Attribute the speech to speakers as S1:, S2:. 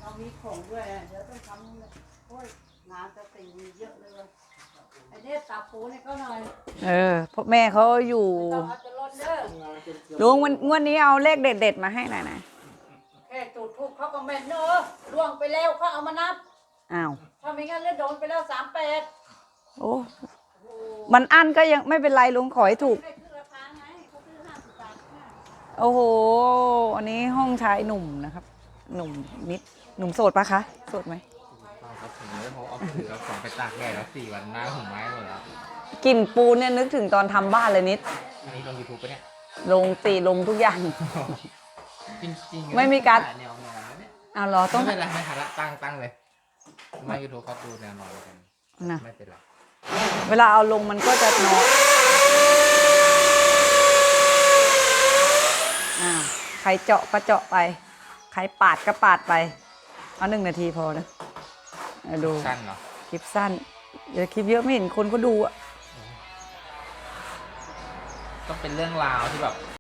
S1: เขามีของด้วยเดี๋ยวต้องทำโอ้ยงานจะติ่งมีเยอะเลยไอ้เนี่ยตับปูนี่ก็หน่อย
S2: เพราะแม่เขาอยู่
S1: ต้องเอาจะลดเด้อ
S2: ลุงงวดนี้เอาเลขเด็ดๆมาให้หน่อยนะ
S1: แค่จุดทูบเขาก็แม่นเนอะล่วงไปแล้วเขาเอามานับ
S2: อ้าว
S1: ถ้าไม่งั้นเลือดโดนไปแล้ว38
S2: โอ้มันอั้นก็ยังไม่เป็นไรลุงขอให้ถูก
S1: ได้ขึ้นราคาไงเขาซื้อ50 บาท
S2: โอ้โหอันนี้ห้องชายหนุ่มนะครับ หนุ่มนิดหนุ่มโสดปะคะโสดไหม
S3: ครับผมเลยเพราะเอาถือเอาของไปตากแดดแล้ว4 วันหน้าผมไม้หมดแล้ว
S2: กลิ่นปูนเนี่ยนึกถึงตอนทำบ้านเลยนิด
S3: อันนี้ลง YouTube ปะเนี่ย
S2: ลงลงทุกอย่าง
S3: จริงๆ
S2: ไม่มีการ
S3: แนวนอนแล้วเนี่ย
S2: เอาเหรอต้อง
S3: ไม่เป็นไรไม่ทันละตั้งเลยไม่ YouTube เขาดูแนวนอนกัน
S2: นะ
S3: ไม่เป็นไร
S2: เวลาเอาลงมันก็จะนอนใครเจาะก็เจาะไปใครปาดก็ปาดไปเอา1 นาทีพอนะดู
S3: สั้นเหรอ
S2: คลิปสั้นเดี๋ยวคลิปเยอะไม่เห็นคนก็ดูอ่ะ
S3: ก็เป็นเรื่องราวที่แบบ